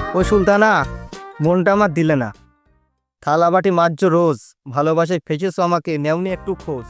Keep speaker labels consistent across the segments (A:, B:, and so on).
A: ও সুলতানা, মনটা আমার দিলে না। থালা বাটি মাজছো রোজ, ভালোবাসায় ফেঁচেছো আমাকে, নেওনি একটু খোঁজ।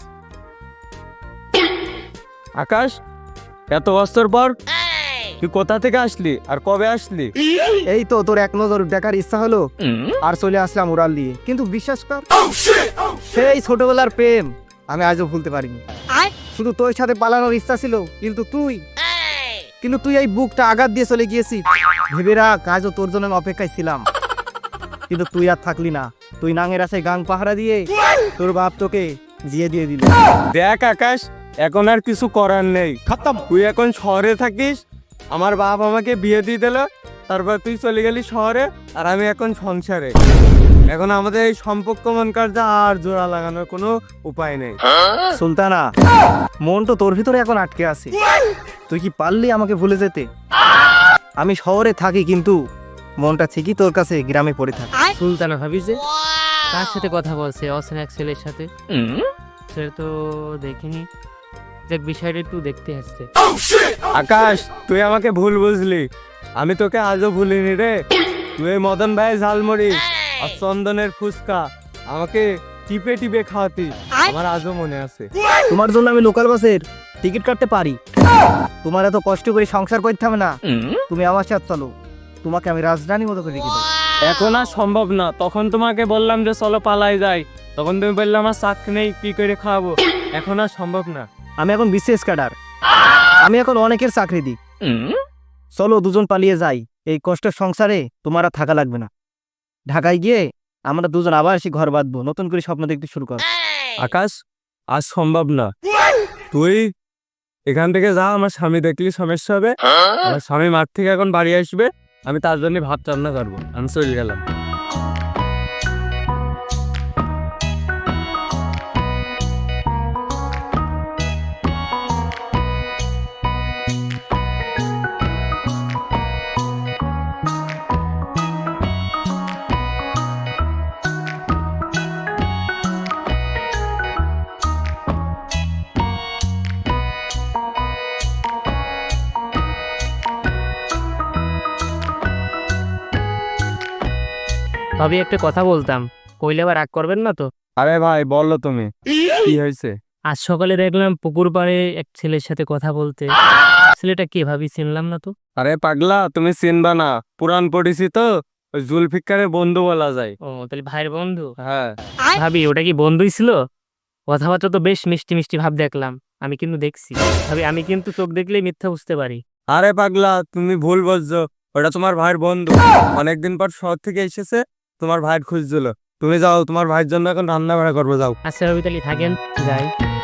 B: আকাশ, এত বছর পর তুই কোথা থেকে আসলি আর কবে আসলি?
A: এই তো তোর এক নজর দেখার ইচ্ছা হলো আর চলে আসলাম উড়াল দিয়ে। কিন্তু বিশ্বাস কর, সেই ছোটবেলার প্রেম আমি আজও ভুলতে পারিনি। শুধু তোর সাথে পালানোর ইচ্ছা ছিল, কিন্তু তুই এই বুকটা আঘাত দিয়ে চলে গিয়েছিস। ভেবে রাখ, আজও তোর জন্য আমি অপেক্ষায় ছিলাম, কিন্তু তুই আর থাকলি না। তুই নাঙের আছে গাং পাহারা দিয়ে তোর বাপ তোকে জিয়ে দিয়ে দিল।
B: দেখ আকাশ, এখন আর কিছু করার নেই, খতম। তুই এখন শহরে থাকিস, আমার বাপ আমাকে বিয়ে দিয়ে দিল, তারপর তুই চলে গেলি শহরে আর আমি এখন সংসারে। এখন আমাদের এই সম্পর্ক মন কার্যে আর জোড়া লাগানোর কোনো উপায় নেই।
A: সুলতানা, মন তো তোর ভিতরে এখন আটকে আছে। তুই কি পারলি আমাকে ভুলে যেতে? আমি শহরে থাকি, কিন্তু মনটা ঠিকই তোর কাছে গ্রামে পড়ে থাকে।
C: সুলতানা ভাবি যে কার সাথে কথা বলছে? অচেনা এক ছেলের সাথে। সেটা তো দেখিনি, দেখ বিষয়টা একটু দেখতে আসছে।
B: আকাশ, তুই আমাকে ভুল বুঝলি, আমি তোকে আজও ভুলিনি রে। তুই এই মদন ভাই ঝালমুড়ি আর চন্দনের ফুচকা আমাকে টিপে টিপে খাওয়াতি, আমার আজও মনে আছে।
A: তোমার জন্য আমি লোকাল বাসের টিকিট কাটতে পারি। তোমার এত কষ্ট করে সংসার করতে হবে না, তুমি আমার সাথে চলো, তোমাকে আমি রাজধানী মতো করে রেখে দেবো।
B: এখন আর সম্ভব না। তখন তোমাকে বললাম যে চলো পালাই যাই, তখন তুমি বললে আমার চাকরি নেই, কি করে খাওয়াবো। এখন আর সম্ভব না।
A: আমি এখন বিশেষ ক্যাডার, আমি এখন অনেকের চাকরি দিই। চলো দুজন পালিয়ে যাই, এই কষ্টের সংসারে তোমার আর থাকা লাগবে না। ঢাকায় গিয়ে আমরা দুজন আবার এসে ঘর বাঁধবো, নতুন করে স্বপ্ন দেখতে শুরু কর।
B: আকাশ, আজ সম্ভব না। তুই এখান থেকে যা, আমার স্বামী দেখলি সমস্যা হবে। আমার স্বামী মাঠ থেকে এখন বাড়ি আসবে, আমি তার জন্য ভাত রান্না করবো। আমি চলে গেলাম।
C: ভাবি একটা কথা বলতাম, কইলে আবার রাগ করবেন না তো?
B: আরে ভাই বললো, তুমি কি হয়েছে?
C: আজ সকালে দেখলাম পুকুর পাড়ে এক ছেলের সাথে কথা বলতে। ছেলেটা কে ভাবি? চিনলাম না তো।
B: আরে পাগলা, তুমি চিনবা না, পুরান পরিচিত, ওই জুলফিকারের বন্ধু বলা যায়।
C: ও তাহলে ভাইয়ের বন্ধু?
B: হ্যাঁ।
C: ভাবি ওটা কি বন্ধুই ছিল? কথাবার্তা তো বেশ মিষ্টি মিষ্টি ভাব দেখলাম, আমি কিন্তু দেখছি। ভাবি আমি কিন্তু চোখ দেখলেই মিথ্যা বুঝতে পারি।
B: আরে পাগলা, তুমি ভুল বুঝছো, ওটা তোমার ভাইয়ের বন্ধু। অনেকদিন পর শহর থেকে এসেছে, তোমার ভাইয়ের খুঁজছিল। তুমি যাও, তোমার ভাইয়ের জন্য এখন রান্না বাড়া করবো, যাও।
C: আচ্ছা ভাবি তাহলে থাকেন, যাই।